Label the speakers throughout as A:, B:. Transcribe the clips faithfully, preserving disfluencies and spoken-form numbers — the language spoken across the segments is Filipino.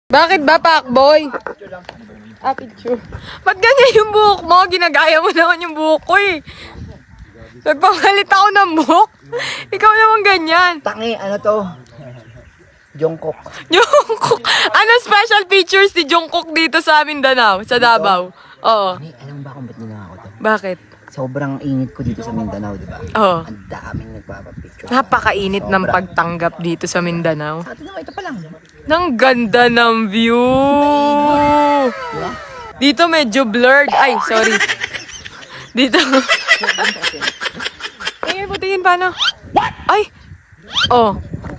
A: Bakit ba, Pakboy? Ah, picture. Ba't ganyan yung buhok mo? Ginagaya mo naman yung buhok ko eh. Nagpamalit ako ng buhok. Ikaw naman ganyan.
B: Tangi, ano to? Jungkook.
A: Jungkook. Ano special features ni Jungkook dito sa Mindanao? Sa Davao? Oo.
B: Tangi, alam mo ba kung ba't nila ako to?
A: Bakit?
B: Sobrang init ko dito sa Mindanao, di ba?
A: Oo.
B: Ang daming nagpapapicture.
A: Napakainit ng pagtanggap dito sa Mindanao.
B: Ito naman, ito pa lang.
A: Nang ganda ng view.
B: Diba?
A: Dito medyo blurred. Ay, sorry. Dito. Tingin mo, tingin paano? Ay! Oh.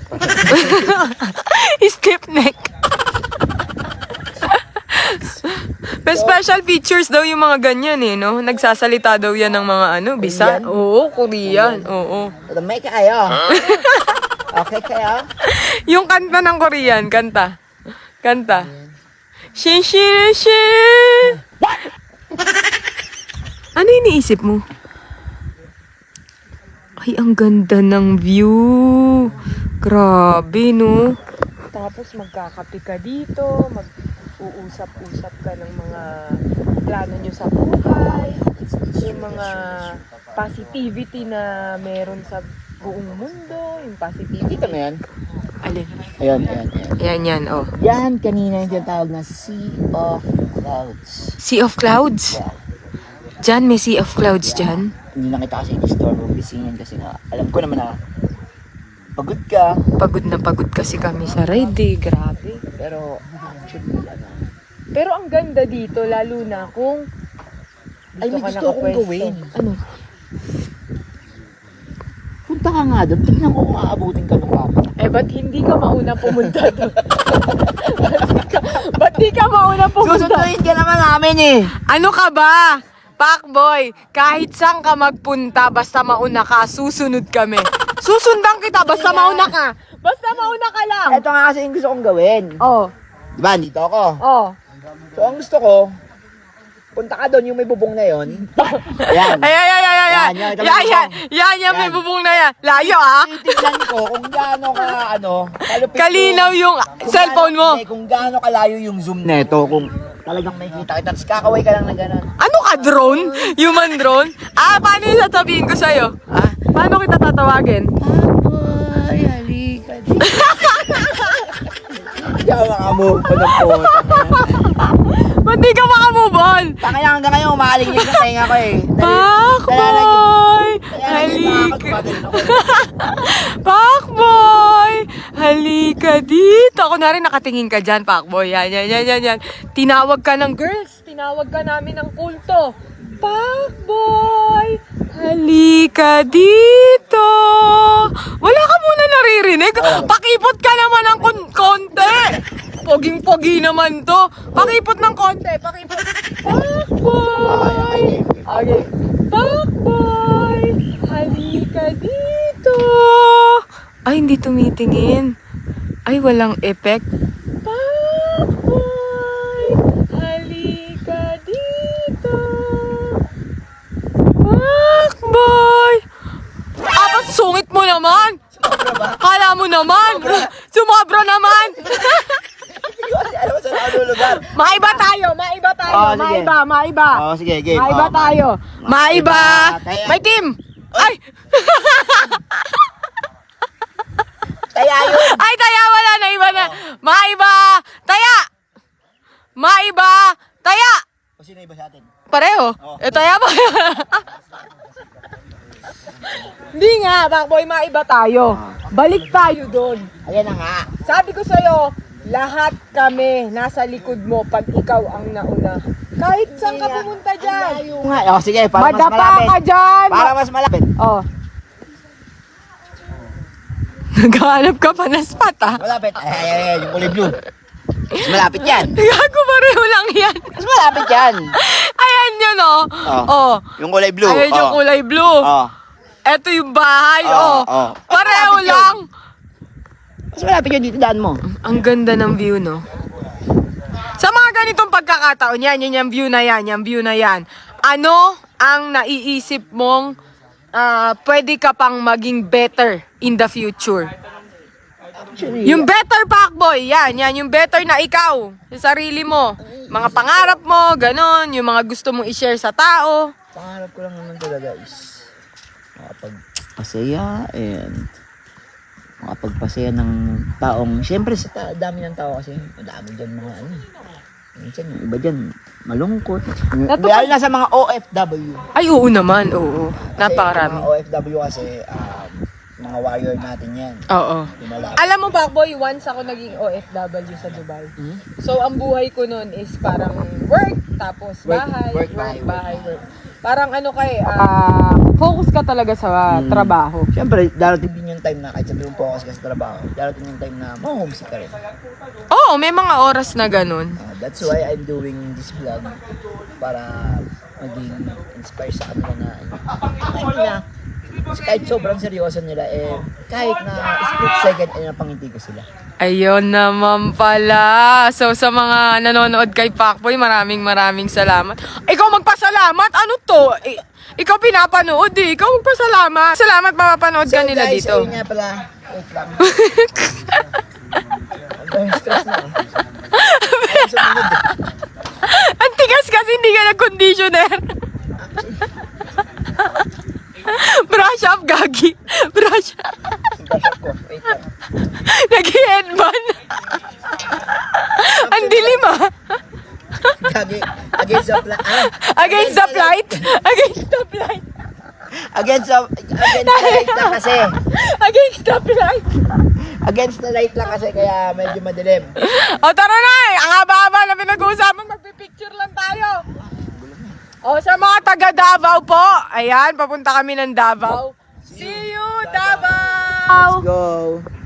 A: Stiff neck. May special features daw yung mga ganyan eh, no? Nagsasalita daw yan ng mga ano, Bisa.
B: Korean?
A: Oo, Korean. Oo.
B: May kayo. Okay kayo?
A: Yung kanta ng Korean, kanta. Kanta. Shin shin shin. Ano iniisip mo? Ay, ang ganda ng view. Grabe, no? Tapos magkakape ka dito, mag-uusap-usap ka ng mga plano nyo sa buhay, yung mga positivity na meron sa buong mundo, yung positivity.
B: Kita mo yan?
A: Alin?
B: Ayun, ayan, ayan.
A: Yan, yan, oh.
B: Yan, kanina yung tinatawag na Sea of Clouds.
A: Sea of Clouds?
B: Yeah.
A: Diyan, may Sea of Clouds dyan.
B: Hindi na kita kasi in-store mo bisingin kasi nga, alam ko naman na pagod ka.
A: Pagod na pagod kasi kami sa ride, eh. Grabe.
B: Pero actually, ano,
A: Pero ang ganda dito, lalo na kung
B: ay may gusto akong
A: nakapwesto.
B: gawin.
A: Ano?
B: Punta ka nga doon, tignan ko kung aabutin ka ng papa.
A: Eh, ba't hindi ka mauna pumunta doon? Ba't di ka mauna pumunta?
B: Susunduin ka naman namin eh.
A: Ano ka ba? Pakboy, kahit saan ka magpunta, basta mauna ka, susunod kami. Susundan kita, basta mauna ka. Basta mauna ka lang.
B: Ito nga kasi yung gusto kong gawin.
A: Oh,
B: Diba, dito ako.
A: oh.
B: So, ang gusto ko, punta ka doon, yung may bubong na yon. Ayan.
A: Ay, ay, ay, ay, ay, ay.
B: Yan, yan,
A: Yan, yan, yan, yan, may
B: Yan.
A: bubong na yan. Layo, ah.
B: Titignan ko kung gaano ka, ano, kalupit
A: Kalinaw yung
B: kung
A: cellphone mo.
B: gaano- hindi, Kung gaano kalayo yung zoom neto, kung talagang may kita kita, tapos kakaway ka lang na gano'n.
A: Ano ka, drone? Human drone? Ah, paano yung sasabihin ko sa'yo?
B: Ah?
A: Paano kita tatawagin?
B: Papoy, halika dito. Hindi ako makamove pa ng puta.
A: Ba't di ka makamove on?
B: Taka lang hanggang ngayon, umahaling niya sa tenga ko eh.
A: Pakboy! Halika. Pakboy! Halika dito. Ako na rin nakatingin ka dyan, Pakboy. Yan, yan, yan, yan, yan. Tinawag ka ng girls. Tinawag ka namin ng kulto. Pakboy! Halika dito. Wala ka muna naririnig. Pakipot ka naman ng kon- konti. Poging-pogi naman to. Pakipot ng konti. Pakipot. Pakboy! Okay. Pakboy! Halika dito. Ay, hindi tumitingin. Ay, walang effect. Pakboy! Halika dito. Pakboy! Apat, sungit mo naman. Kala mo naman. Sumobra naman.
B: Alam mo saan ako lulugar?
A: Maiba tayo, maiba tayo,
B: Oh, sige.
A: maiba, maiba.
B: Oo, sige, game.
A: Maiba
B: Oh,
A: tayo. Maiba.
B: Tayo.
A: May team. Ay!
B: Taya yun!
A: Ay, taya, wala na, iba na. Maiba. Taya. Maiba. Taya.
B: O sino iba sa atin?
A: Pareho.
B: Oh.
A: Eh, taya ba? Hindi nga, Pakboy, maiba tayo. Balik tayo doon.
B: Ayan na nga.
A: Sabi ko sa'yo, lahat kami nasa likod mo pag ikaw ang nauna. Kahit saan ka pumunta dyan.
B: Layo nga. O sige, para mas
A: Madapa
B: malapit.
A: ka dyan.
B: Para mas malapit.
A: Oh. Naghahanap ka pa ng spot, ah.
B: Malapit. Ay, ay, ay, yung kulay blue. Mas malapit yan.
A: Gago, pareho lang yan.
B: Mas malapit yan.
A: Ayan yun, oh.
B: Oh.
A: Oh.
B: Yung kulay blue.
A: Ayan yung
B: oh.
A: kulay blue.
B: Oh.
A: Eto yung bahay, oh.
B: Oh, oh.
A: Pareho
B: Malapit yun.
A: lang.
B: Mas malapit yun dito daan mo.
A: Ang ganda ng view, no? Sa mga ganitong pagkakataon, yan, yan, yung view na yan, yung view na yan. Ano ang naiisip mong ah, pwede ka pang maging better in the future?
B: Actually,
A: Yung better Pacboy, yan, yan, yung better na ikaw, sa sarili mo. Mga pangarap mo, ganon, yung mga gusto mong i-share sa tao.
B: pangarap ko lang naman talaga is makapagpasaya and makapagpasaya ng taong, syempre sa ta- dami ng tao kasi, madami dyan mga ano. Minsan yung iba dyan, malungkot.
A: Nato-
B: Lalo na sa mga O F W.
A: Ay, oo naman, oo.
B: Kasi
A: Napakarami.
B: Mga O F W kasi, um, mga warrior natin yan.
A: Oo.
B: Lumalaban.
A: Alam mo, Pacboy, once ako naging O F W sa Dubai.
B: Hmm?
A: So, ang buhay ko nun is parang work, tapos
B: Work,
A: bahay,
B: work,
A: work,
B: bahay,
A: bahay,
B: work.
A: work. Parang ano kay, ah, focus ka talaga sa
B: Hmm.
A: trabaho.
B: Siyempre, darating din yung time na kahit sabi mong focus ka sa trabaho, darating yung time na ma-homesick ka rin.
A: Oo, may mga oras na ganun.
B: Uh, that's why I'm doing this vlog para maging inspire sa kanila na ano na kahit sobrang seryoso nila eh kahit na split second ay napangiti ko sila.
A: Ayun naman pala. So, sa mga nanonood kay Pacboy, maraming maraming salamat. Ikaw magpasalamat? Ano to? I- ikaw pinapanood eh. Ikaw magpasalamat. Salamat, mapapanood ka
B: So
A: nila
B: guys,
A: dito.
B: ayun nga pala. Wait lang. Ang stress na eh. Ayaw sumunod eh.
A: Ang tigas kasi hindi ka nag-conditioner. Brush up, gagi. Brush up.
B: Brush up ko. Wait lang.
A: Nag-headband. Ang dilim ah.
B: Gagi. Against the flight. Ah,
A: Against the flight. Against the flight.
B: Against the, against the light lang kasi.
A: Against the flight.
B: Against the light lang kasi kaya medyo madilim.
A: O tara na eh. Ang haba-haba na pinag-uusapan. Magpipicture lang tayo. O sa mga taga Davao po. Ayan, papunta kami ng Davao. See you, Davao!
B: Let's go.